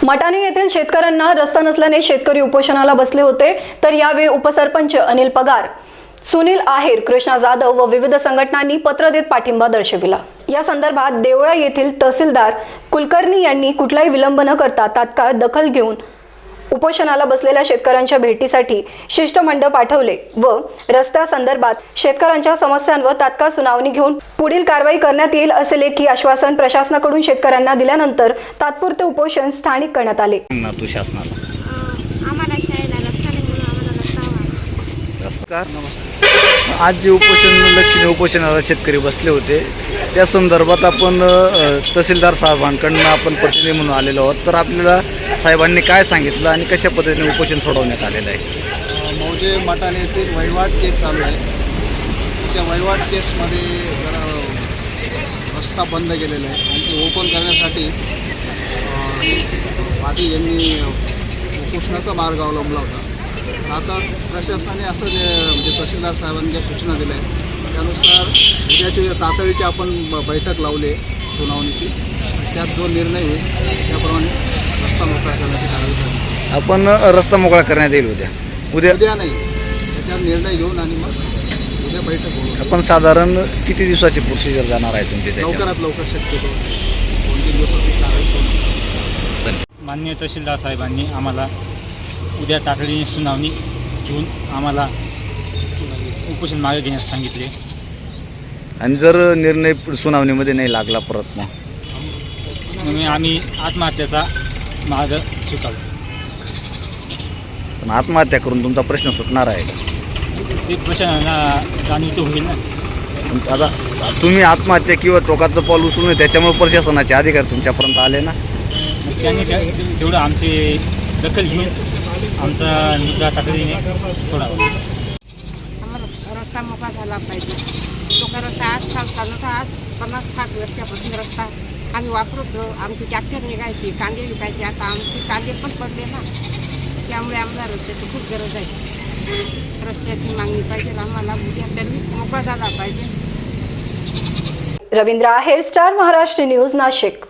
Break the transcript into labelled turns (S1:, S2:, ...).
S1: मटाणे येथील शेतकऱ्यांना रस्ता नसल्याने शेतकरी उपोषणाला बसले होते। तर यावेळी उपसरपंच अनिल पगार, सुनील आहेर, कृष्णा जाधव व विविध संघटनांनी पत्र देत पाठिंबा दर्शविला। या संदर्भात देवळा येथील तहसीलदार कुलकर्णी यांनी कुठलाही विलंब न करता तात्काळ दखल घेऊन उपोषणाला बसलेल्या शेतकऱ्यांच्या भेटीसाठी शिष्टमंडळ पाठवले व रस्त्या संदर्भात शेतकऱ्यांच्या समस्यांवर तात्काळ सुनावणी घेऊन पुढील कारवाई करण्यात येईल असे लेखी आश्वासन प्रशासनाकडून शेतकऱ्यांना दिल्यानंतर तात्पुरते उपोषण स्थानिक करण्यात आले।
S2: आज जे लक्षणीय उपोषणाला शेतकरी बसले होते त्या संदर्भात आपण तहसीलदार साहेबांकडून आपण प्रतिनिधी म्हणून आलेलो आहोत। तर आपल्याला साहेबांनी काय सांगितलं आणि कशा पद्धतीने उपोषण सोडवण्यात आलेलं आहे?
S3: मौजे मटाणे येथील वहिवाट केस चालू आहे। त्या वहिवाट केसमध्ये जरा रस्ता बंद केलेला आहे आणि ते ओपन करण्यासाठी पाटील यांनी उपोषणाचा मार्ग अवलंबला होता। आता प्रशासनाने असं म्हणजे तहसीलदार साहेबांनी ज्या सूचना दिल्या आहेत त्यानुसार उद्याची तातडीची आपण बैठक लावली आहे सुनावणीची। त्यात जो निर्णय होईल त्याप्रमाणे रस्ता मोकळा करण्याची कारवाई झाली।
S2: आपण रस्ता मोकळा करण्यात येईल उद्या नाही,
S3: त्याच्यात निर्णय घेऊन आणि मग उद्या बैठक होईल।
S2: आपण साधारण किती दिवसाची प्रोसिजर जाणार आहे तुमची?
S3: लवकरात लवकर शक्यतो 2-3 दिवसाची कारवाई करू।
S4: माननीय तहसीलदार साहेबांनी आम्हाला उद्या तातडीने सुनावणी घेऊन आम्हाला उपोषण मागे घेण्यास सांगितले
S2: आणि जर निर्णय सुनावणीमध्ये नाही लागला परत
S4: मग आम्ही आत्महत्येचा मार्ग स्वीकारतो।
S2: पण आत्महत्या करून तुमचा प्रश्न सुटणार आहे का?
S4: ते प्रश्नांना जाणीव होईल ना।
S2: आता तुम्ही आत्महत्या किंवा टोकाचं पाऊल उचलून नये त्याच्यामुळे प्रशासनाचे अधिकारी तुमच्यापर्यंत आले ना।
S4: मग त्यांनी तेवढं आमची दखल घेऊन आमचा मुद्दा तातडीने सोडावा।
S5: आम्हाला रस्ता मोकळा झाला पाहिजे। तो रस्ता आज चालता आज 50-60 वर्षापासून रस्ता आम्ही वापरतो। आमची ट्रॅक्टर निघायची, कांदे विकायचे, आता आमचे कांदे पण पडले ना, त्यामुळे आम्हाला रस्त्याची खूप गरज आहे। रस्त्याची मागणी पाहिजे आम्हाला, उद्या तरी मोकळा झाला पाहिजे।
S1: Ravindra Aher, star Maharashtra news, Nashik.